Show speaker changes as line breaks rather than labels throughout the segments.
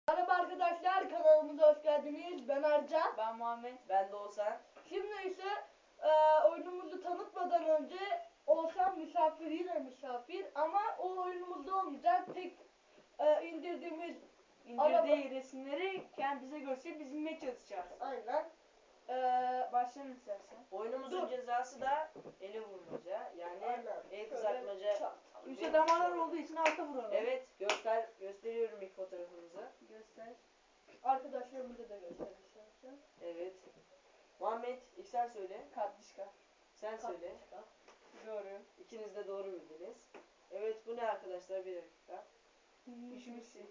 Merhaba arkadaşlar, kanalımıza hoş geldiniz. Ben Ercan.
Ben Muhammed.
Ben de Oğuzhan.
Şimdi ise oyunumuzu tanıtmadan önce Oğuzhan misafir, yine misafir, ama o oyunumuzda olmayacak. Tek indirdiğimiz
İndirdiği resimleri bize gösterip biz bilmeye çalışacağız.
aynen.
Başlayalım istersen.
Oyunumuzun
Dur.
cezası da ele vurmaca. Yani
Aynen.
el
Şöyle
kızartmaca.
çat.
Üstte damarlar olduğu için alta vuralım.
Evet, gösteriyorum ilk fotoğrafımızı.
Göster.
Arkadaşlarımıza da göstereceğim.
Evet. Muhammed, ilk sen söyle.
Katlışka.
Sen söyle.
Doğru.
İkiniz de doğru bildiniz. Evet, bu ne arkadaşlar? Bir dakika.
Üşümüşsün.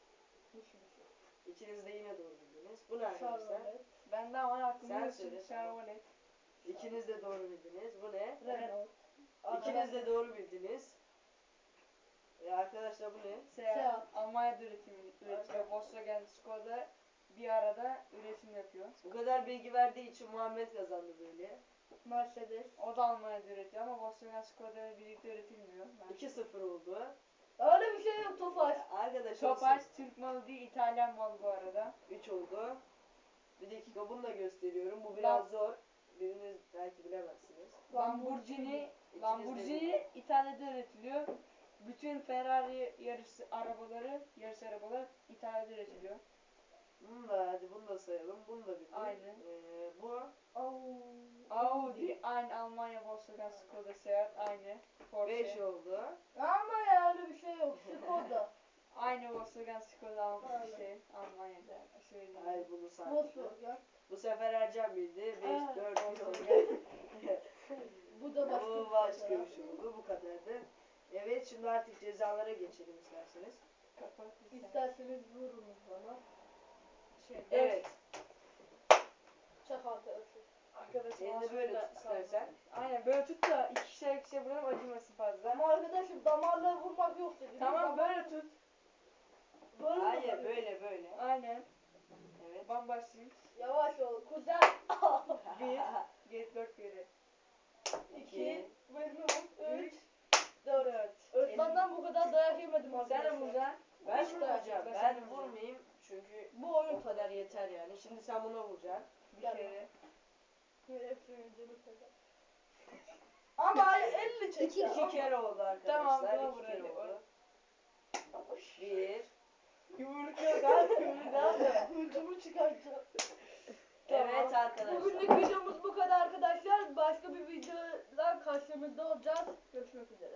İkiniz de yine doğru bildiniz. Bu ne arkadaşlar?
Ben de ama aklımda
Sen
üşüm.
söyle,
Şarvalet.
İkiniz de doğru bildiniz. Bu ne?
Renault.
İkiniz de doğru bildiniz. Arkadaşlar bu ne?
Seyahat. Almanya'da üretiyor. Volkswagen Skoda bir arada üretim yapıyor.
Bu kadar bilgi verdiği için Muhammed kazandı böyle.
Mercedes.
O da Almanya'da üretiyor ama Volkswagen Skoda ile birlikte üretilmiyor.
2-0 oldu.
Öyle bir şey yok, Tofaş.
Arkadaşlar
Topaç Türk malı değil, İtalyan malı bu arada.
3 oldu. Bir dakika, bunu da gösteriyorum. Bu biraz zor. Biriniz belki bilemezsiniz.
Lamborghini İtalya'da üretiliyor. Bütün Ferrari yarış arabaları İtalya'da üretiliyor.
Hadi bunu da sayalım. Bunu da bildim.
Aynen.
Bu
Audi aynı, Almanya Volkswagen Skoda Seat aynı.
5
Porsche
oldu.
Ama ya öyle bir şey yok. Skoda.
aynı Volkswagen Skoda
Aynen.
Almanya'da söyleyeyim.
Hayır, bunu saydım.
Volkswagen.
Bu sefer Ercan bildi. 5,
Aa,
4 oldu.
Bu da başka
Bu başka bir şey oldu. Bu kadardı. Evet, şimdi artık cezalara geçelim isterseniz.
İsterseniz vurunuz bana.
Evet.
Çak arkadaşlar.
Arkadaşım
Elini böyle tut istersen.
Aynen böyle tut da ikişer vuralım, acımasın fazla.
Ama arkadaşım damarla vurmak yok dedi.
Tamam böyle tut.
Böyle
Hayır,
mi?
böyle.
Aynen.
Evet.
Ben başlayayım.
Yavaş ol kuzen.
4 geri.
2, 3,
4.
Öğretmenden bu kadar dayak yemedim
Sen de
arkadaşlar.
vuracaksın.
Ben
İşte,
vurmayacağım.
ben
Ben
vuracağım.
vurmayayım çünkü
Bu oyun
o kadar yeter yani. Şimdi sen buna vuracaksın.
Bir
Gel.
kere.
hepsinin canı feda. Ama 50 çek ya.
2 kere oldu arkadaşlar.
Tamam, buna
2
vur
kere
hadi.
oldu. 1.
Yumruk yok abi, yumruk abi.
Hıncımı çıkartacağım.
Evet arkadaşlar.
Bugünlük videomuz bu kadar arkadaşlar. Başka bir videoda karşınızda olacağız. Görüşmek üzere.